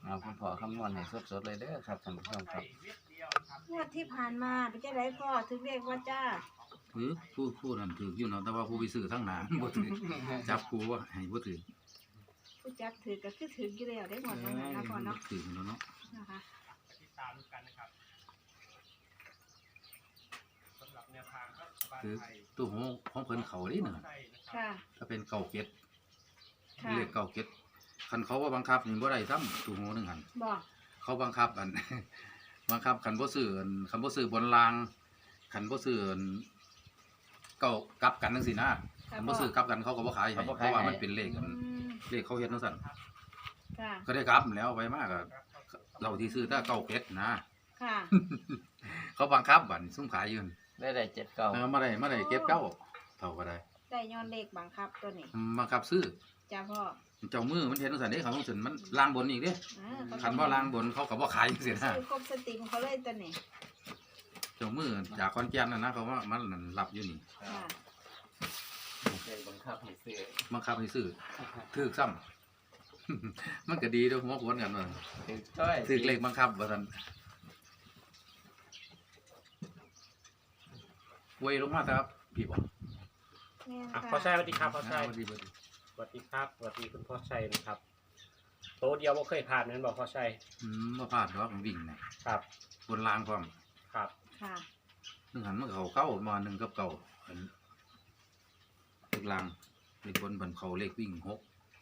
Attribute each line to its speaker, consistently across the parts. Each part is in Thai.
Speaker 1: เอาคุณพ่อคำนวณให้สดๆเลยเด้อครับท่านผู้ชมครับ
Speaker 2: งวดที่ผ่านมาเป็นจังไดพ่อถึงเลขว่าจ้า
Speaker 3: ถือผู้นั้นถืออยู่เนาะแต่ว่าผู้ไปซื้อทั้งหนา บ่ถือจับผู้ว่าให้บ่ถือ
Speaker 2: ผู้จักถือก็คือถืออยู่แล้วได้หมดตรงนั้นนะพ่อเนาะ
Speaker 3: ถือแล้วเนาะ
Speaker 2: นะคะ
Speaker 4: ติดตามกันนะครับสำหรับแนวทางรัฐบาล
Speaker 3: คือ
Speaker 4: ไทย
Speaker 3: ตัวของเพิ่นเขานี่น่ะ
Speaker 4: ไทยนะครับ
Speaker 2: ค่ะ
Speaker 3: ถ้าเป็นเก่าเก็ด
Speaker 2: ค่ะ
Speaker 3: เลขเก่าเก็ดคันเขาว่าบังคับนี่บ่ได้ซ้ำตัวโหนึงหั่น
Speaker 2: บอก
Speaker 3: เขาบังคับอัน บังคับคันบ่ซื้ออันคันบ่ซื้อบนรางคันบ่ซื้ออันเก่ากลับกันจังซี่นะคันบ่ซื้อกลับกันเขาก็บ่ขายให้เพราะว่ามันเป็นเลขอัน
Speaker 2: อืม
Speaker 3: เลขเขาเฮ็ดจังซั่น
Speaker 2: ค่ะ
Speaker 3: ก็ได้กลับแล้วไปมากก็เราที่ซื้อถ้าเก่าเก็ดนะ
Speaker 2: ค่ะ
Speaker 3: เขาบังคับบัดซุ่มขายอยู่
Speaker 1: ได้7 9
Speaker 3: มาได้เก็บเก้าเท่าก็ได้
Speaker 2: ได้ย้อนเลขบังคับตัวนี้
Speaker 3: บังคับซื้อ
Speaker 2: จ้าพ่อ
Speaker 3: เจ้ามือมันเห็นจังซั่นเด้เขาต้องสนมันล่างบนอีกเด้
Speaker 2: อ่า
Speaker 3: คันว่าล่างบนเขาก็บ่ขายจังซี่นะ
Speaker 2: ซื้อครบสติของเขาเลยตัวนี้
Speaker 3: เจ้ามือจากขอนแก่นน่ะนะเขาว่ามันนั่นรับอยู่นี่
Speaker 2: ค่ะ
Speaker 1: เลขบังคับให้ซื้อ
Speaker 3: บังคับให้ซื้อถูกซ้ำ มันก็ดีเด้อหัวโขนกันว่า
Speaker 1: ถึกต้อย
Speaker 3: ถูกเลขบังคับว่าซั่นเวยลงมาครับพี่บ่
Speaker 2: แม่น
Speaker 4: อ่ะ
Speaker 2: ค่ะ
Speaker 4: พ่อชัยสวัสดีครับพ่อชัย
Speaker 3: สวัสดี
Speaker 4: สวัสดีครับสวัสดีคุณพ่อชัยนะครับโตะเดียวบ่เคยผ่านนั้นบอกพ่อชัย
Speaker 3: บ่พลาดดอกวิ่งน่ะ
Speaker 4: ครับ
Speaker 3: บนรางพร้อม
Speaker 4: ครับ
Speaker 2: ค่ะ
Speaker 3: นึงหันมันเขาเก้ามา1กับเก้าอันเลขรางเลขบนบันเขาเลขวิ่ง6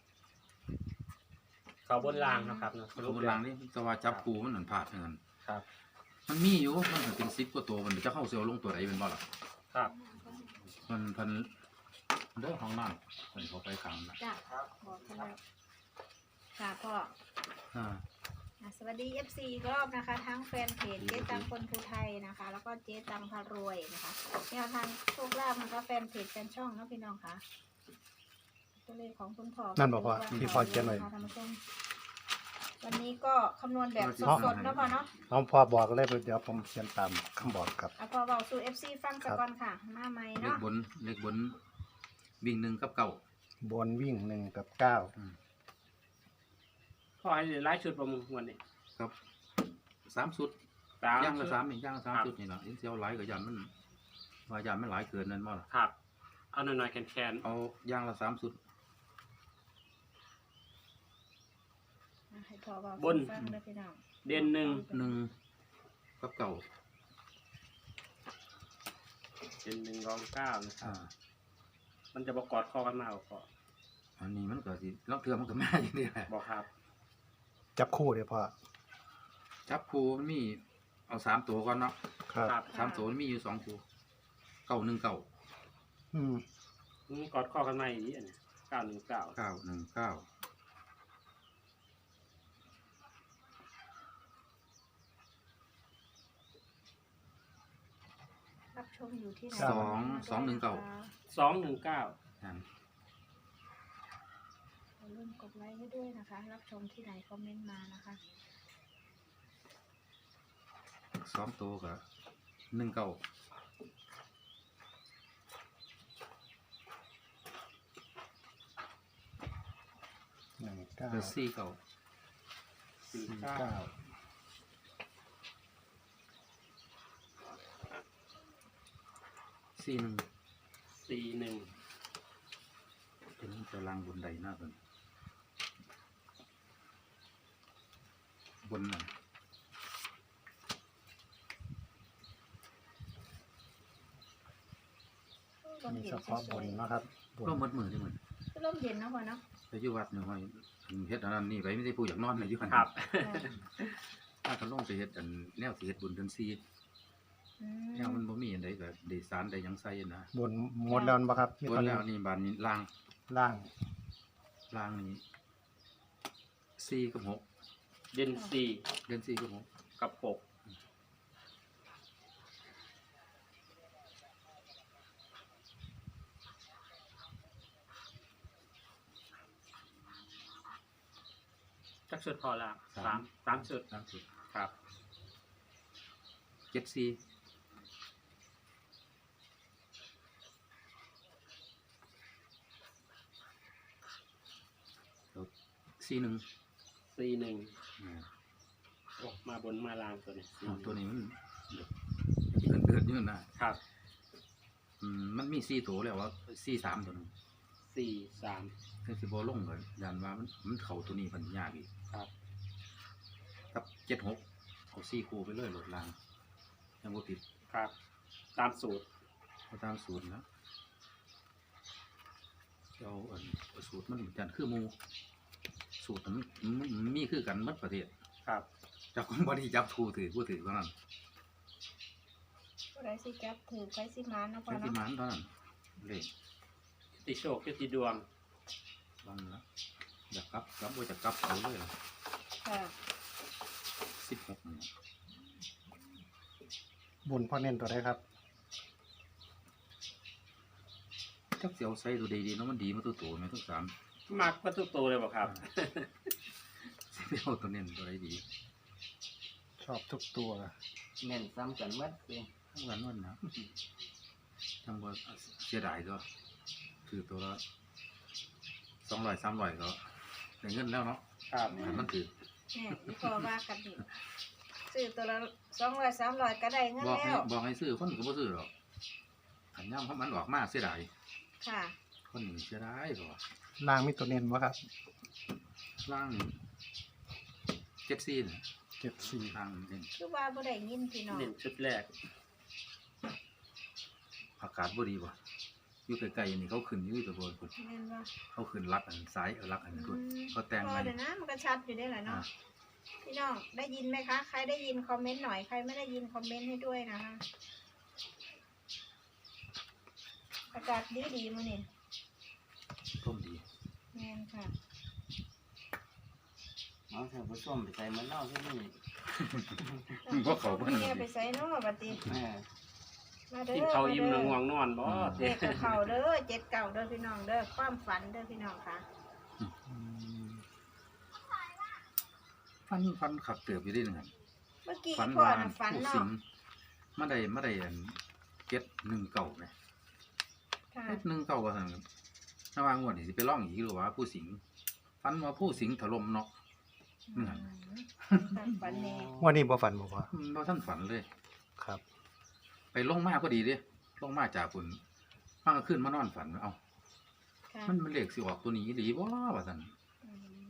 Speaker 4: เขาบนรางนะครับเนาะ
Speaker 3: เขาบนรางนี่แต่ว่าจับกูมันนั่นพลาดเหมือนกัน
Speaker 4: ครับ
Speaker 3: มันมีอยู่มันเป็น10กว่าตัวมันจะเข้าเซลล์ลงตัวใดเป็นบ่ล่ะ
Speaker 4: ครับ
Speaker 3: มันเด้อห้องน้ำมันเขาไปขังนะ
Speaker 2: จ้าบอกเขาแล้วค่ะพ่อ
Speaker 3: อ่า
Speaker 2: สวัสดี FC อีกรอบนะคะ ทั้งแฟนเพจเจ๊ตังคนภูไทยนะคะ แล้วก็เจ๊ตังพารวยนะคะแนวทางโชคลาภนะคะแฟนเพจแฟนช่องนะพี่น้องค่ะตัวเลขของคุณพ่อ
Speaker 5: นั่นบอกว่าพี่พ่อเขียนไว้
Speaker 2: ท่านผู้ชมวันนี้ก็คำนวณแบบสดๆนะพ่อเนาะ
Speaker 5: น้องพ่อบอกเลยเดี๋ยวผมเขียนตามคำบอกครับ
Speaker 2: เอาพอเบาสู่ FC ฟังสักก่อนค่ะมาใหม่
Speaker 3: เลข
Speaker 2: เนาะ
Speaker 3: บนวิ่ง1กับ9
Speaker 5: บนวิ่ง1 กับ
Speaker 4: พ่อให้ไล่ชุดประมูลวันนี้
Speaker 3: ครับ3สุด
Speaker 4: สาม
Speaker 3: ย่างละ
Speaker 4: ชุด
Speaker 3: 3อีกย่างละ3สุดนี่ล่ะเสียวหลายก็ยันมันว่ายันมันหลายเกินนั่นบ่ล่ะ
Speaker 4: ครับเอาหน่อยๆแคน
Speaker 3: เอาย่างละ3สุด
Speaker 2: ให้พอเบาสู่ฟังเลยพี่น้อง
Speaker 4: ๆเด่นหนึ่ง
Speaker 3: 1กับ9
Speaker 4: เด่นหนึ่งรองเก้านะครับ
Speaker 3: อ่า
Speaker 4: มันจะประกอดคอกันมาก่อน
Speaker 3: อันนี้มันก็สิลองเทื่อมันก็มาอย่างนี้แหละ
Speaker 4: บอกครับ
Speaker 5: 9จับคู่เดี๋ยวพ่อ
Speaker 3: จับคู่มันมีเอา3ตัวก่อนเนาะ
Speaker 5: ครับ
Speaker 4: ครับ
Speaker 3: 3ตัวมันมีอยู่2คู่919
Speaker 5: อืม
Speaker 4: กอดคอกันมาอย่างนี้อันเนี้919
Speaker 3: 919
Speaker 2: รับชมอยู่ที่ไหน
Speaker 3: 219
Speaker 4: 219
Speaker 3: นั่น
Speaker 2: อย่าลืมกดไลค์ให้ด้วยนะคะ รับชมที่ไหนคอมเมนต์มานะคะ
Speaker 3: 2ตัวก็19
Speaker 5: 1 9
Speaker 3: ก็49
Speaker 5: 9
Speaker 3: 41
Speaker 4: 41
Speaker 3: เป็นตารางบนใดหน้าเป็นบนน่ะ
Speaker 5: มีเฉพาะบนนะครับบน
Speaker 3: ก็มัดมือที่มือ
Speaker 2: ร่มเย็นนะพ่อเนาะ
Speaker 3: ไปอยู่วัดเนี่ยว่าเฮ็ดอันนั้นนี่ไปไม่ได้พูดอยากนอนเลยอยู่หัน
Speaker 4: ครับ
Speaker 3: ถ้าเขาลงไปเฮ็ดอันแนวสิเฮ็ดบุญเดือน4
Speaker 2: อื
Speaker 3: แนวมันบ่มีอันใดก็ได้สารได้หยังใส่นะ
Speaker 5: บนหมดแล้วบ่ครับมี
Speaker 3: บ
Speaker 5: ตอน น
Speaker 3: แล้วนี่บานนี้ล่าง
Speaker 5: ล่าง
Speaker 3: นี่4กับ6
Speaker 4: เด่น
Speaker 3: เดือน4กับ6
Speaker 4: 4กับ6จักชุดพอละสามชุด
Speaker 3: 3สุด
Speaker 4: ครับ
Speaker 3: 7 441
Speaker 4: 41 41
Speaker 3: อืม
Speaker 4: โอ้มาบนมาล่างตัวนี้
Speaker 3: อ้าวตัวนี้มันเดินอยู่นะครับ มันมี4ตัวแล้วว่า43ตัวนึง
Speaker 4: 43
Speaker 3: ถึงสิบ่ลงก็ยันว่ามันเข้าตัวนี้มันยากอีก
Speaker 4: ครับ
Speaker 3: กับ76เอา4คู่ไปเลยโหลดลางยังบ่ผิด
Speaker 4: ครับ ตามสูตร
Speaker 3: เอาตามสูตรนะเอาสูตรมันจันคือหมู่สูตรมันมีคือกันหมดประเทศ
Speaker 4: ครับ
Speaker 3: จับคนบ่ได้จับผู้ถือเท่านั้น
Speaker 2: ผู้ใดสิจับถือไปสิมาเนาะพ่อ
Speaker 3: ใช้ที่
Speaker 2: เนาะ
Speaker 3: มันเท่านั้นเลข
Speaker 4: ติโชคติดวง
Speaker 3: บางละอยากกลับว่าจะกลับเอาเลยล่ะ
Speaker 2: ค่ะ
Speaker 3: 16นี่
Speaker 5: บนพ่อเน้นตัวใดครับ
Speaker 3: จักสิเอาใส่ตัวดีๆเนาะมันดีมาตัวโตแม่ทั้ง3
Speaker 4: มักวัตถุโตเลยบ่ครับ
Speaker 3: สิเอาตัวเน้นตัวใดดี
Speaker 5: ชอบทุกตัว
Speaker 1: เน้นซ้ำกันหมัดเลย
Speaker 3: ทั้งวันวันนะจังบ่เสียดายก็คือตัวละ200 300ก็ได้เงินแล้วเนาะ
Speaker 4: ครับ
Speaker 3: มันถือ
Speaker 2: เนี่ยพี่พ่อว่ากันนี่ซื้อตัวละ200 300ก็ได้เงิน
Speaker 3: บอกให้
Speaker 2: แล้ว
Speaker 3: บอกให้ซื้อคนก็บ่ซื้อหรอกขันย่ำเพราะมันออกมาเสียดาย
Speaker 2: ค่ะ
Speaker 3: คนหนึ่งเสียดายก็
Speaker 5: ล่างมีตัวเน้นบ่ครับ
Speaker 3: ล่าง74น่ะ
Speaker 5: 74
Speaker 3: ล่างเด่น
Speaker 2: คือว่าบ่ได้ยินพี่น้อง
Speaker 4: เน้นชุดแรก
Speaker 3: อากาศบ่ดีบ่อยู่ไกลๆนี่เขาขึ้นอยู่ตัวบนพุ่น
Speaker 2: แม่นบ่
Speaker 3: เขาขึ้นรักอันซ้ายรักอันพุ่นเขาแต่ง
Speaker 2: พอ
Speaker 3: ไว้
Speaker 2: เดี๋ยวนะมันก็ชัดอยู่ได้แหละ
Speaker 3: อ่า
Speaker 2: เนาะพี่น้องได้ยินไหมคะ ใครได้ยินคอมเมนต์หน่อยใครไม่ได้ยินคอมเมนต์ให้ด้วยนะคะอากาศดีมื้อนี้
Speaker 3: ต้มดี
Speaker 2: แม่นค่ะ
Speaker 1: เอาเถอะผู้ชมไปใส่เหมือนเล่าที่นี่
Speaker 3: บ่เขาเพิ่น
Speaker 2: แม่ไปใส่เนาะบัดนี้
Speaker 1: แม่
Speaker 2: มาเด้อ
Speaker 4: กินข้าวอิ่ม
Speaker 2: มา
Speaker 4: แล้ว
Speaker 2: เด้
Speaker 4: ง่วงนอนบ่
Speaker 2: เลขกับเขาเด้อ7เก่าเด้อพี่น้องเด้อความฝันเด้อพี่น้องค่ะ
Speaker 5: อืม
Speaker 3: ฟันขับเติบอยู่ได้นึงครับ
Speaker 2: เมื่อกี้
Speaker 3: ฟัน
Speaker 2: พ่อ
Speaker 3: ว่า
Speaker 2: น่ะฝัน
Speaker 3: ผู้
Speaker 2: เนาะ
Speaker 3: สิงมาได้อัน719ไหม
Speaker 2: ค่ะ
Speaker 3: 719ว่าซั่นระหว่างงวดนี่สิไปร้องอีกหรือว่าผู้สิงฟันว่าผู้สิงถล่มเนาะ
Speaker 2: ฝันแน่
Speaker 5: วันนี้บ่ฝันบ่พ่อ
Speaker 3: บ่ทันฝันเลย
Speaker 5: ครับ
Speaker 3: ไปลงมาพอดีเด้ลงมาจากฝุ่นมันก็ขึ้นมานอนฝันเอ้า
Speaker 2: ค่ะ
Speaker 3: มันเลขสิออกตัวนี้หรือบ่ว่าซั่น
Speaker 2: อืม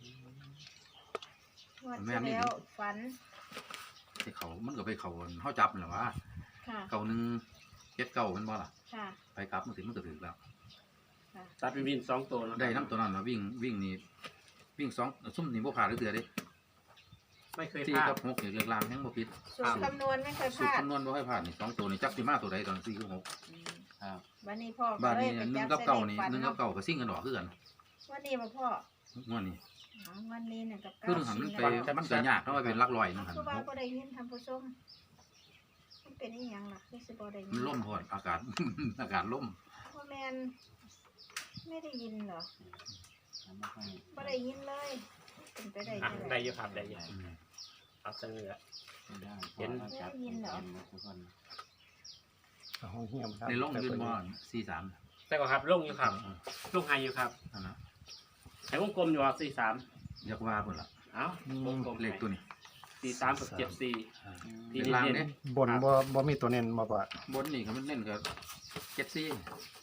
Speaker 2: งวดที่แล้วฝัน
Speaker 3: ไปเขามันก็ไปเขาเฮาจับนั่นแหละว่า
Speaker 2: ค่ะ
Speaker 3: เก่าหนึง79มันบ่ล่ะ
Speaker 2: ค่ะ
Speaker 3: ไปกลับมันสิมันก็ถึกแล้ว
Speaker 2: ค่ะ
Speaker 4: ตัดเป็นวิน2ตัวเนาะ
Speaker 3: ได้นํตัวนั้นน่ะวิ่งนี่วิ่ง2ซุ่มนี่บ่พลาดเทื่อเด้
Speaker 4: ไม่เคย
Speaker 3: 4
Speaker 4: พลาด
Speaker 3: กับ6นี่เรียกลางยังบ่ผิด
Speaker 2: สูตรคำนวณไม่เคยพ
Speaker 3: สูตร
Speaker 2: ลาด
Speaker 3: คำนวณบ่ให้พลาดนี่2ตัวนี่จักสิมาตัวใดตอน4กับ6
Speaker 2: ครับวันนี้พ่อ
Speaker 3: บ้าน
Speaker 2: ก็เล
Speaker 3: นี้
Speaker 2: ยไป
Speaker 3: 1
Speaker 2: จับ
Speaker 3: กับ
Speaker 2: เส้น
Speaker 3: เก่า
Speaker 2: เล
Speaker 3: นี่
Speaker 2: ขฝัน
Speaker 3: 1กับ
Speaker 2: เนาะ
Speaker 3: เก่าก็ซิ่งกันดอกคือกัน
Speaker 2: วันนี้มาพ่อง
Speaker 3: วดนี้
Speaker 2: อ๋อวันนี้1กับ
Speaker 3: คือ
Speaker 2: 9
Speaker 3: หันมัน
Speaker 2: 4
Speaker 3: ไป
Speaker 2: แล้ว
Speaker 3: มันก็ยากเนาะว่าเป็นหลักร้อยนึงหั่น
Speaker 2: คือว่าบ่ได้ยินทำผู้ชมมันเป็นอีหยังล่ะคือสิบ่ได้ยิ
Speaker 3: มันล่มพอดอากาศ อากาศล่ม
Speaker 2: พ่อแมนไม่ได้ยินเหรอ
Speaker 1: ทำไม่ค่อย
Speaker 2: บ่ได้ยินเลยเป็นไปได้
Speaker 4: อ่ะ
Speaker 2: จัง
Speaker 4: ได้
Speaker 2: ได๋
Speaker 4: อยู่ครับได้อยู่เอาเสนอ
Speaker 1: ได้
Speaker 4: เห็น
Speaker 1: พอจับเป็นทุกคน
Speaker 5: เอาห้องเฮียมครับ
Speaker 3: ในร่องยืนบอล43
Speaker 4: แต่ก็ครับลงอยู่ครับลงไฮอยู่ครับ
Speaker 3: นั่นนะ
Speaker 4: ให้วงกลมอยู่ครับ43
Speaker 3: อยากว่าพุ่นละ
Speaker 4: เอ้าวงกลม
Speaker 3: เลขตัวนี้
Speaker 4: 43กับ74
Speaker 3: อ่า
Speaker 4: ที่
Speaker 3: เป็นลาง
Speaker 4: เน้
Speaker 3: เนี่ย
Speaker 4: น
Speaker 5: บนบ่มีตัวเน้นบ่พ่อบ
Speaker 3: นนี่ก็มันเล่นกับ74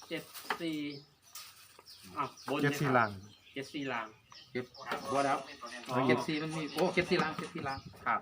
Speaker 4: 74อ้าวบน
Speaker 5: 74ล่าง
Speaker 4: 74ล่าง
Speaker 3: เก็บบ่แล้ว
Speaker 4: อ๋อ
Speaker 3: 74มันมีโอ้74ลาง74ลาง
Speaker 4: ครับ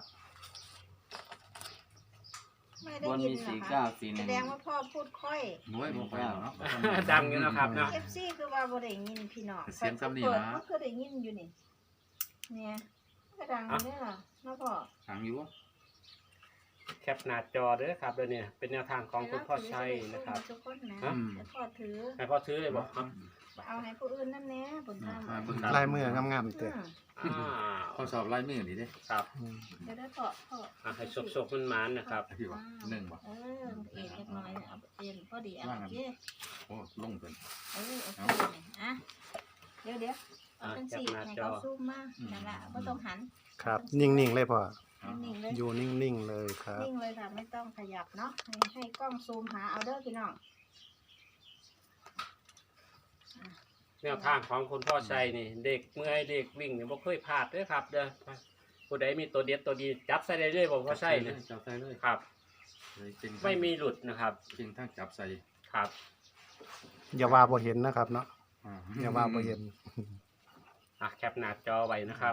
Speaker 2: ไม่ได้
Speaker 1: บน
Speaker 2: ยิน
Speaker 1: มี
Speaker 2: เหรอ
Speaker 1: สี่
Speaker 2: คะ
Speaker 1: เก้าสี่ห
Speaker 2: แส
Speaker 1: นึ่ง
Speaker 2: ดงว่าพ่อพูดค่อย
Speaker 3: โอ้ยบ่ไปแล้วเนาะ
Speaker 4: ดังอยู่นะครับเนาะ
Speaker 2: FC คือว่าบ่ได้ยินพี่น้อง
Speaker 3: เสียงซ้ำนี่
Speaker 2: เปิด
Speaker 3: นะ
Speaker 2: มันก็ได้ยินอยู่นี่เนี่ยมันก็ดังอยู่เด้อล่ะเนาะพ่อ
Speaker 3: ทางอยู่
Speaker 4: แคปหน้าจอเด้อครับเดี๋ยวนี้เป็นแนวทางของคุณพ่อชัยนะครับ
Speaker 2: ทุกคนนะ
Speaker 4: ฮะ
Speaker 2: ให้พ่อถือ
Speaker 4: ให้พ่อซื้อเลยบอกครับ
Speaker 2: เอาให้ผู้อื่นนั่นแหละบนทาง
Speaker 3: มาเบิ่ง
Speaker 5: ลายมืองามๆเด้อ
Speaker 4: อ้าว
Speaker 3: ข้อสอบลายมือนี่เด้
Speaker 4: ครับ
Speaker 5: อืม
Speaker 2: เดี๋ยวได้พ่อ
Speaker 4: อ่ะให้ชกๆมันมันๆนะครับ
Speaker 3: พี่ว่า1บ่
Speaker 2: เออเอ็นเล็กน้อยเอาเอ็นพอดีเอา
Speaker 3: ว่า
Speaker 2: โอ
Speaker 3: งั้น
Speaker 2: เค
Speaker 3: โอ้ลงเพิ่น
Speaker 2: เออโอเคอ่ะเดี๋ยวเอาเป็นสีให้เขาซูมมานั่นแหละไม่ต้องหัน
Speaker 5: ครับ นิ่งๆเลยพ่อ
Speaker 2: นิ่งๆเลย
Speaker 5: อยู่นิ่งๆเลยครับ
Speaker 2: นิ่งเลยค่ะไม่ต้องขยับเนาะให้กล้องซูมหาเอาเด้อพี่น้อง
Speaker 4: แนวทางของคุณพ่อชัยนี่ เด็กเมื่อยเด็กวิ่งนี่บ่เคยพลาดเด้อครับ เด้อผู้ใดมีตัวเด็ดตัวดีจับใส่ได้เลยบ่พ่อชัยเนี่ย
Speaker 3: จับใส่เลย
Speaker 4: ครับ
Speaker 3: เลยจริง
Speaker 4: ไม่มีหลุดนะครับ
Speaker 3: จริงทั้งจับใส่
Speaker 4: ครับ
Speaker 5: อย่าว่าบ่เห็นนะครับเนาะ
Speaker 3: อ่า
Speaker 5: อย่าว่าบ่เห็น
Speaker 4: แคปหน้าจอไว้นะครับ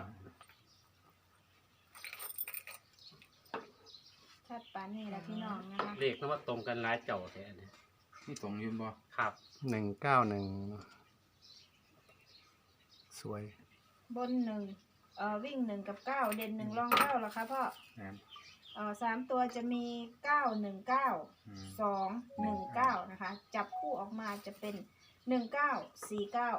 Speaker 2: ชัดปานนี่แหละพี่น้องนะคะ
Speaker 4: เลขมันว่าตรงกันหลายเจ้าแท้เนี่ย
Speaker 3: นี่ตรงยืนบ่
Speaker 4: ครับ
Speaker 5: 191สวย
Speaker 2: บนหนึ่งวิ่งหนึ่งกับเก้าเด่นหนึ่งรองเก้าเหรอคะพ่อ
Speaker 3: แม่น
Speaker 2: 3 ตัวจะมี 919
Speaker 3: อืม
Speaker 2: 219นะคะจับคู่ออกมาจะเป็น1949